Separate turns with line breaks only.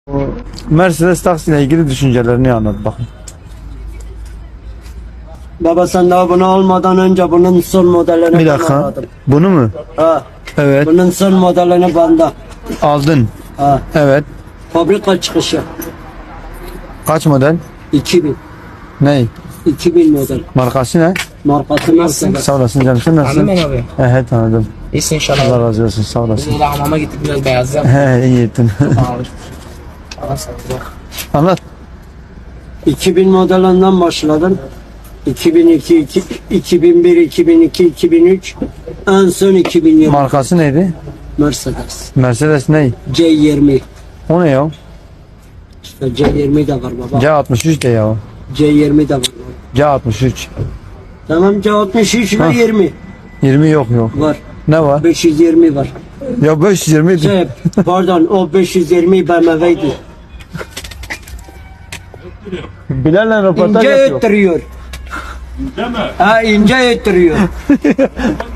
Mercedes taksiyle ilgili düşüncelerini anlat bakın.
Baba sen daha bunu almadan önce bunun son modelini
Bir
ben
dakika.
aldım.
Bunu mu?
Ha,
Evet.
bunun son modelini bende.
Aldın.
Ha,
Evet.
fabrika çıkışı.
Kaç model?
2000.
Ney?
2000 model.
Markası ne?
Markası Mercedes.
Sağ olasın canım. Sen nasılsın?
Anladın mı abi?
He tanıdım.
İyisin
Allah
inşallah.
razı olsun. Sağ olasın.
Biz hamama gittik biraz beyazlayalım.
He iyi ettin.
Allah sağlık.
Anlat.
2000 modelinden başladım. 2002, 2001, 2002, 2003, en son 2020
Markası neydi?
Mercedes.
Mercedes ney?
C20.
O ne ya?
İşte C20 de var baba.
C63 de ya.
C20 de var.
C63.
Tamam C63 ve
Ha.
20
20 yok.
var.
Ne var?
520 var.
Ya 520 idi.
Şey, pardon o 520 BMW'ydi.
Bilal'le röportaj
İnce
yapıyor.
öttürüyor. Ha ince öttürüyor.